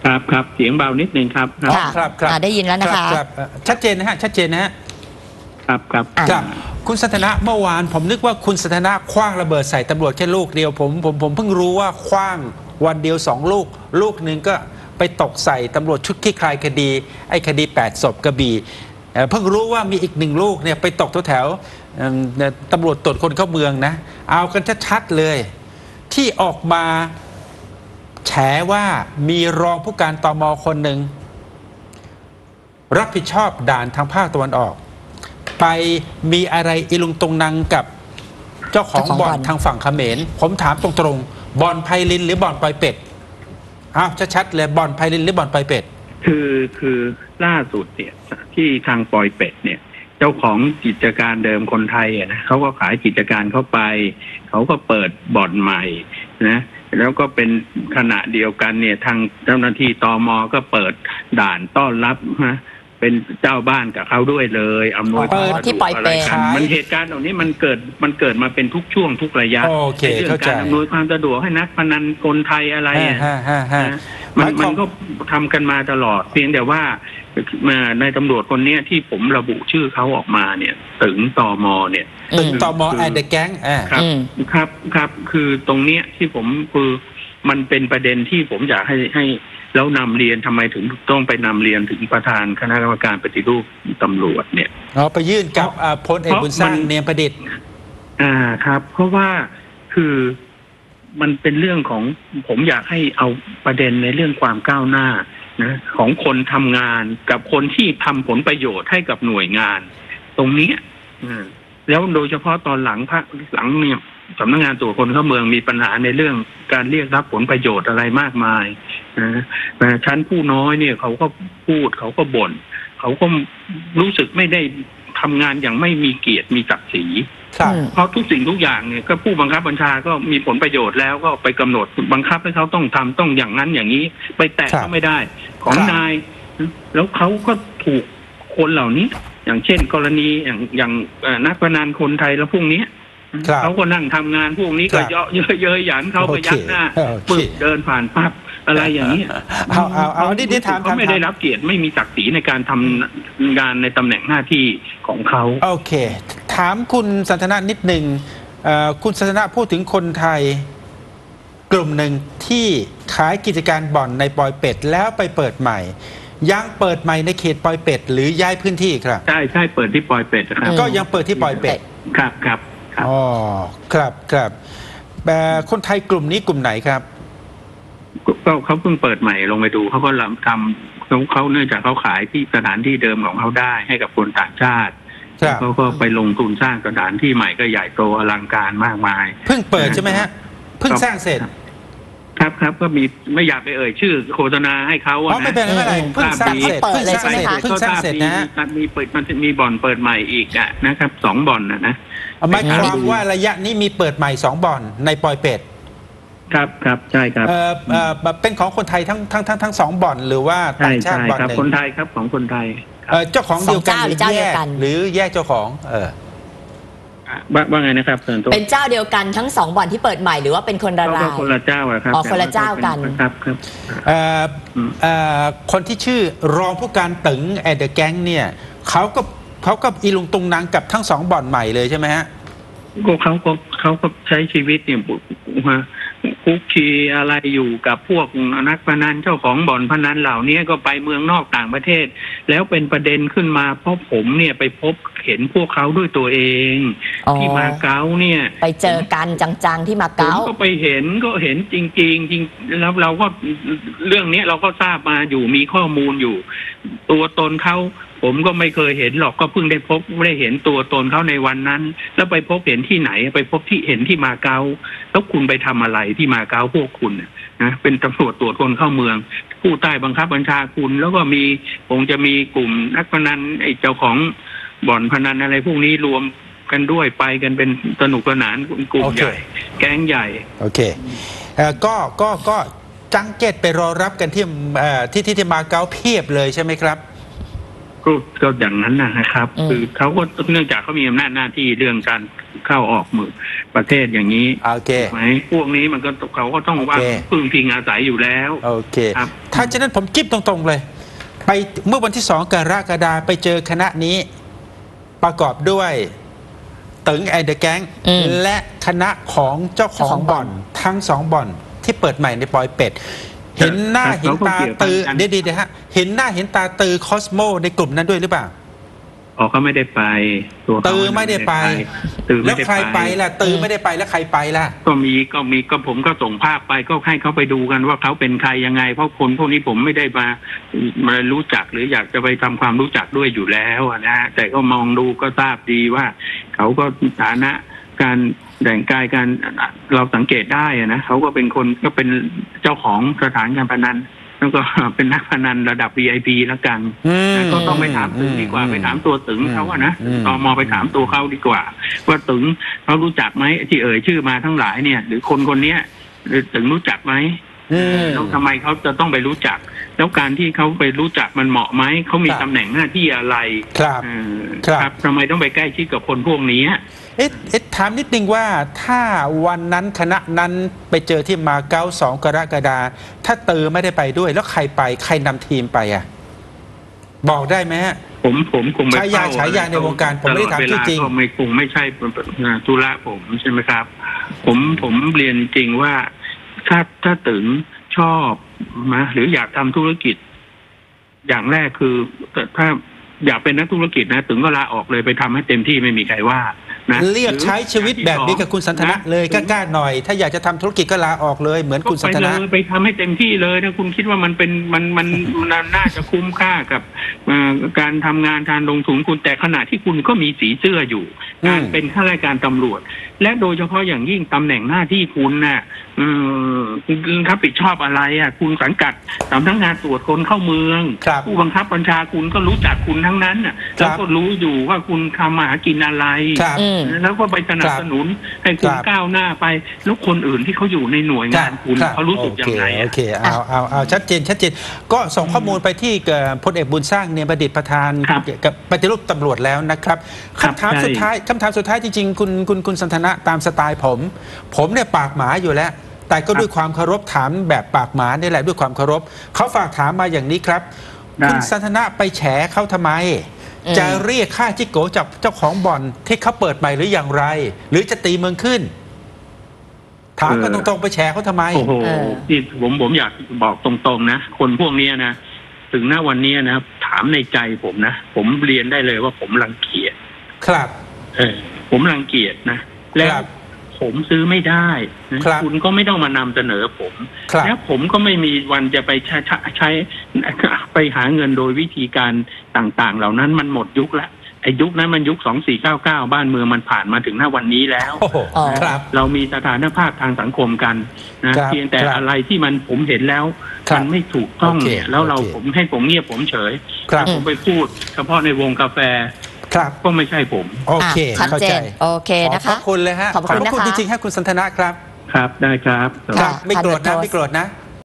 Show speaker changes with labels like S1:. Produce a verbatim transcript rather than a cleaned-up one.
S1: ครับครับเสียงเบานิดนึงครับ
S2: ค่ะครับครับได้ยินแล้วนะคะ
S3: ครับชัดเจนนะฮะชัดเจนนะฮะ
S1: ครับครับ
S3: ครับคุณสันทนะเมื่อวานผมนึกว่าคุณสันทนะคว้างระเบิดใส่ตำรวจแค่ลูกเดียวผมผมผมเพิ่งรู้ว่าคว้างวันเดียวสองลูกลูกหนึ่งก็ไปตกใส่ตำรวจชุดคลี่คลายคดีไอ้คดีแปดศพกระบี่เพิ่งรู้ว่ามีอีกหนึ่งลูกเนี่ยไปตกแถวๆตำรวจตรวจคนเข้าเมืองนะเอากันชัดๆเลยที่ออกมาแฉว่ามีรองผู้การตม.คนหนึ่งรับผิดชอบด่านทางภาคตะวันออกไปมีอะไรอิลุงตรงนังกับเจ้าของบ่อนทางฝั่งเขมรผมถามตรงๆบ่อนไพลินหรือบ่อนปอยเป็ดอ้าวชัดๆเลยบ่อนไพลินหรือบ่อนปอยเป็ด
S1: คือคือล่าสุดเนี่ยที่ทางปอยเป็ดเนี่ยเจ้าของกิจการเดิมคนไทยอ่ะนะเขาก็ขายกิจการเข้าไปเขาก็เปิดบ่อนใหม่นะแล้วก็เป็นขณะเดียวกันเนี่ยทางเจ้าหน้าที่ตม.ก็เปิดด่านต้อนรับฮะเป็นเจ้าบ้านกับเขาด้วยเลยอำนวยความสะดวกอะไรกันมันเหตุการณ์เหล่านี้มันเกิดมันเกิดมาเป็นทุกช่วงทุกระยะในเรื่องการอำนวยความสะดวกให้นักพนันคนไทยอะไรอ่ะมันมันก็ทำกันมาตลอดเพียงแต่ว่าในตำรวจคนนี้ที่ผมระบุชื่อเขาออกมาเนี่ยถึงตม.เนี่ย
S3: ถึงตม.แอนเดอะแก๊ง
S1: ครับครับครับคือตรงเนี้ยที่ผมคือมันเป็นประเด็นที่ผมอยากให้ให้แล้วนำเรียนทำไมถึงต้องไปนำเรียนถึงประธานคณะกรรมการปฏิรูปตำรวจเนี่ย
S3: อ๋อไปยื่นกับพลเอกบุญสร้างเนียมประดิษฐ์
S1: อ่าครับเพราะว่าคือมันเป็นเรื่องของผมอยากให้เอาประเด็นในเรื่องความก้าวหน้านะของคนทำงานกับคนที่ทำผลประโยชน์ให้กับหน่วยงานตรงนี้แล้วโดยเฉพาะตอนหลังภาคหลังเนี่ยสำนักงานตรวจคนเข้าเมืองมีปัญหาในเรื่องการเรียกรับผลประโยชน์อะไรมากมายนะแต่ชั้นผู้น้อยเนี่ยเขาก็พูดเขาก็บ่นเขาก็รู้สึกไม่ได้ทำงานอย่างไม่มีเกียรติมีศักดิ์ศรีเพราะทุกสิ่งทุกอย่างเนี่ยก็ผู้บังคับบัญชาก็มีผลประโยชน์แล้วก็ไปกำหนดบังคับให้เขาต้องทำต้องอย่างนั้นอย่างนี้ไปแตะก็ไม่ได้ของนายแล้วเขาก็ถูกคนเหล่านี้อย่างเช่นกรณีอย่างอย่างนักพนันคนไทยแล้วพวกนี้เขาก็นั่งทำงานพวกนี้ก็เยอะเยอะเยอะหยันเขาไปยักหน้าปึ๊บเดินผ่านปั๊บอะไรอย่างนี้
S3: เอาเอาเอาดิดิถาม
S1: เขาไม่ได้รับเกียรติไม่มีศักดิ์ศรีในการทำงานในตำแหน่งหน้าที่ของเขา
S3: โอเคถามคุณสันทนะนิดหนึ่งคุณสันทนะพูดถึงคนไทยกลุ่มหนึ่งที่ขายกิจการบ่อนในปอยเป็ดแล้วไปเปิดใหม่ยังเปิดใหม่ในเขตปอยเป็ดหรือย้ายพื้นที่ครับ
S1: ใช่ใช่เปิดที่ปอยเป็ดครับ
S3: ก็ยังเปิดที่ปอยเป็ด
S1: ครับครับ
S3: อ๋อครับครับแต่คนไทยกลุ่มนี้กลุ่มไหนครับ
S1: ก็เขาเพิ่งเปิดใหม่ลงไปดูเขาก็ทำเขาเขาเนื่องจากเขาขายที่สถานที่เดิมของเขาได้ให้กับคนต่างชาติเขาก็ไปลงทุนสร้างสถานที่ใหม่ก็ใหญ่โตอลังการมากมาย
S3: เพิ่งเปิดใช่ไหมฮะเพิ่งสร้างเสร็จ
S1: ครับครับก็มีไม่อยากไปเอ่ยชื่อโฆษณาให้เขา
S3: อ๋อไม่เป็นไรเพิ่งสร้างเสร็จเพิ่งสร้างเสร็จเพิ่งสร้างเสร็จนะ
S1: มีเปิดมันจะมีบ่อนเปิดใหม่อีกอ่ะนะครับสองบ่อนนะนะ
S3: หมายความว่าระยะนี้มีเปิดใหม่สองบ่อนในปอยเป็ด
S1: ครับครับใช่ครับ
S3: เอ่อเอ่อเป็นของคนไทยทั้งทั้งทั้งทั้งสองบ่อนหรือว่าต่างชาติบ่อนหนึ่ง
S1: คนไทยครับของคนไทย
S3: เอ่อเจ้าของเดียวกันหรือแยกหรือแยกเจ้าของเออ
S1: ว่าไงนะครับ
S2: เป็นเจ้าเดียวกันทั้งสองบ่อนที่เปิดใหม่หรือว่าเป็นคนละราย
S1: คนละเจ้าครับ
S2: อ๋อคนละเจ้ากัน
S1: ครับครับ
S3: เอ่อเอ่อคนที่ชื่อรองผู้การตึงแอดเดอะแก๊งเนี่ยเขาก็เขาก็อีลุงตุงนางกับทั้งสองบ่อนใหม่เลยใช่ไหมฮะ
S1: ก็เขาก็เขาก็ใช้ชีวิตเนี่ยคุกคีอะไรอยู่กับพวกนักพนันเจ้าของบ่อนพนันเหล่านี้ก็ไปเมืองนอกต่างประเทศแล้วเป็นประเด็นขึ้นมาเพราะผมเนี่ยไปพบเห็นพวกเขาด้วยตัวเองที่มาเก๊าเนี่ย
S2: ไปเจอกันจังๆที่มาเก๊า
S1: ก็ไปเห็นก็เห็นจริงๆจริงแล้วเราก็เรื่องนี้เราก็ทราบมาอยู่มีข้อมูลอยู่ตัวตนเขาผมก็ไม่เคยเห็นหรอกก็เพิ่งได้พบได้เห็นตัวตนเขาในวันนั้นแล้วไปพบเห็นที่ไหนไปพบที่เห็นที่มาเก๊าแล้วคุณไปทำอะไรที่มาเก๊าพวกคุณนะเป็นตำรวจตรวจคนเข้าเมืองผู้ใต้บังคับบัญชาคุณแล้วก็มีคงจะมีกลุ่มนักพนันไอ้เจ้าของบ่อนพนันอะไรพวกนี้รวมกันด้วยไปกันเป็นสนุกสนานกลุ่มใหญ่แก๊งใหญ่
S3: โอเคเอ่อก็ก็ก็จังเก็ตไปรอรับกันที่เอ่อที่ที่มาเก๊าเพียบเลยใช่ไหมครับ
S1: ก็ก็อย่างนั้นนะครับคือเขาก็เนื่องจากเขามีอำนาจหน้าที่เรื่องการเข้าออกเมืองประเทศอย่างนี้
S3: โอเค
S1: ไหมพวกนี้มันก็เขาก็ต้องว่า
S3: โอเค
S1: พึ่งพิงอาศัยอยู่แล้ว
S3: โอเค
S1: ครับ
S3: ถ้าฉะนั้นผมจิ๊บตรงๆเลย ไปเมื่อวันที่สองกรกฎาคมไปเจอคณะนี้ประกอบด้วยตึงไอเดอะแก๊ง
S2: อืม
S3: และคณะของเจ้าขอ
S2: เจ้าของ งบ่
S3: บ่อ
S2: อน น
S3: ทั้งสองบ่อนที่เปิดใหม่ในปอยเป็ด เห็นหน้า
S1: แต่
S3: เห็นตา
S1: เขาก็เกี่ยว
S3: ตือ
S1: กัน
S3: เดี๋ยวๆนะฮะเห็นหน้าเห็นตาตือคอสโมในกลุ่มนั้นด้วยหรือเปล่า
S1: อ๋อเขาไม่ได้ไปตัวเขา
S3: ตือไม่ได้ไป
S1: ตือ
S3: แล้
S1: ไม่
S3: ว
S1: ได้
S3: ใครไปล่ะตือไม่ได้ไปแล้วใครไปล่ะ
S1: ก็มีก็มีก็ผมก็ส่งภาพไปก็ให้เขาไปดูกันว่าเขาเป็นใครยังไง เพราะคนพวกนี้ผมไม่ได้มามารู้จักหรืออยากจะไปทำความรู้จักด้วยอยู่แล้วอะนะฮะแต่ก็มองดูก็ทราบดีว่าเขาก็ฐานะการแต่งกายการเราสังเกตได้อะนะเขาก็เป็นคนก็เป็นเจ้าของสถานการพนันแล้วก็เป็นนักพนันระดับ วี ไอ พี แล้วกัน
S3: อืม
S1: ก็ต้องไปถามตึงดีกว่า
S3: อืม
S1: ไปถามตัวตึงเขาอะนะ
S3: อืม
S1: ตมไปถามตัวเขาดีกว่า ว่าตึงเขารู้จักไหมที่เอ่ยชื่อมาทั้งหลายเนี่ย หรือคนคนเนี้ยหรือตึงรู้จักไหม
S3: อืม
S1: แล้วทำไมเขาจะต้องไปรู้จัก แล้วการที่เขาไปรู้จักมันเหมาะไหมเขามี
S3: ครับ
S1: ตำแหน่งหน้าที่อะไร
S3: ครับ
S1: เออ
S3: ครับ
S1: ทำไมต้องไปใกล้ชิดกับคนพวกนี้
S3: เอ๊ะเอ๊ะถามนิดนึงว่าถ้าวันนั้นคณะนั้นไปเจอที่มาเก๊าสองกรกฎาคมถ้าตือไม่ได้ไปด้วย แล้วใครไปใครนำทีมไปอ่ะ บอกได้ไหมฮะ
S1: ผมผมคงไม่
S3: ฉายา
S1: เข้
S3: ฉายาในวงการผมไม่ได้ถาม
S1: ตลอเวล
S3: จริงๆ
S1: ก็ไม่คงไม่ใช่ธุระผมใช่ไหมครับ ผมผมเรียนจริงว่าถ้าถ้าตึงชอบนะหรืออยากทำธุรกิจ อย่างแรกคือถ้าอยากเป็นนักธุรกิจนะตึงก็ลาออกเลยไปทำให้เต็มที่ไม่มีใครว่านะ
S3: เรียกใช้ชีวิตแบบนี้กับคุณสันทนะเลยกล้าๆหน่อย ถ้าอยากจะทำธุรกิจก็ลาออกเลยเหมือนคุณสันท
S1: ก็ไป
S3: นะ
S1: เลยไปทำให้เต็มที่เลยถ้าคุณคิดว่ามันเป็นมันมันมันน่าจะคุ้มค่ากับเอ่อการทำงานการลงทุนคุณแต่ขณะที่คุณก็มีสีเสื้ออยู่
S3: อืม
S1: การเป็นข้าราชการตำรวจ และโดยเฉพาะอย่างยิ่งตำแหน่งหน้าที่คุณน่ะเอ่อคุณรับผิดชอบอะไรอ่ะคุณสังกัดสำนักงานตรวจคนเข้าเมือง
S3: ครับ
S1: ผู้บังคับบัญชาคุณก็รู้จักคุณทั้งนั้นน่ะ
S3: ครับ
S1: แล้วก็รู้อยู่ว่าคุณทำมาหากินอะไร
S3: ครับ
S2: อืม
S1: แล้วก็ไปสนับสนุนให้คุณ
S3: ครับ
S1: ก้าวหน้าไปแล้วคนอื่นที่เขาอยู่ในหน่วยงานคุณ
S3: รับ
S1: เขารู้สึกยังไง
S3: โอ
S1: อะ
S3: เคโอเคเอาเอาเอาชัดเจนชัดเจนก็ส่งข้อมูลไปที่เอ่อพลเอกบุญสร้างเนียมประดิษฐ์ประธาน
S1: ครับ
S3: กับปฏิรูปตำรวจแล้วนะครับ
S1: ครับ
S3: คำถาม
S1: ใช่
S3: สุดท้ายคำถามสุดท้ายจริงๆคุณคุณคุณสันทนะตามสไตล์ผม ผมเนี่ยปากหมาอยู่แล้ว แต่ก็ด้วยความเคารพถามแบบปากหมานี่แหละด้วยความเคารพเขาฝากถามมาอย่างนี้ครับ
S1: ได้
S3: คุณสันทนะไปแฉเขาทำไม
S2: อืม
S3: จะเรียกค่าจิโกจากเจ้าของบ่อนที่เขาเปิดใหม่หรืออย่างไร หรือจะตีเมืองขึ้น ถามกันตรงๆไปแฉเขาทำไม
S1: โอ้โห
S2: เออ
S1: ที่ผมผมอยากบอกตรงๆนะคนพวกเนี้ยนะถึงหน้าวันนี้นะถามในใจผมนะผมเรียนได้เลยว่าผมรังเกียจ
S3: ครับ
S1: เออ ผมรังเกียจนะแล้ว
S3: ครับ
S1: ผมซื้อไม่ได้นะครับ คุณก็ไม่ต้องมานำเสนอผม
S3: ครับ
S1: แล้วผมก็ไม่มีวันจะไปใช้ใช้ใช้ไปหาเงินโดยวิธีการต่างๆ เหล่านั้นมันหมดยุคแล้วไอ้ยุคนั้นมันยุคสองสี่เก้าเก้าบ้านเมืองมันผ่านมาถึงหน้าวันนี้แล้ว
S3: โอ้โห
S2: อ๋อ
S3: ครับ
S1: เรามีสถานภาพทางสังคมกันนะครับ เพียงแต่
S3: ครับ
S1: อะไรที่มันผมเห็นแล้ว
S3: ครับ
S1: มันไม่ถูกต้อง
S3: โอเค
S1: เนี่ยแล้วเรา
S3: โอเค
S1: ผมให้ผมเงียบผมเฉย
S3: ครับ
S1: ผมไปพูด เฉพาะในวงกาแฟ
S3: ครับ
S1: ก็ไม่ใช่ผม
S3: โอเค
S2: อ่ะชัด
S3: เข้า
S2: เจ
S3: ใจ
S2: นโอเคนะ
S3: ขอบพ
S2: คะ
S3: ระคุณเลยฮะ
S2: ขอบพระคุณ
S3: พระคุณ
S2: นะคะ
S3: จริงๆให้คุณสันทนะครับ
S1: ครับได้ครับ
S3: ครับ ไม่โกรธนะ
S2: พันตำรวจโท
S3: ไม่โกรธนะ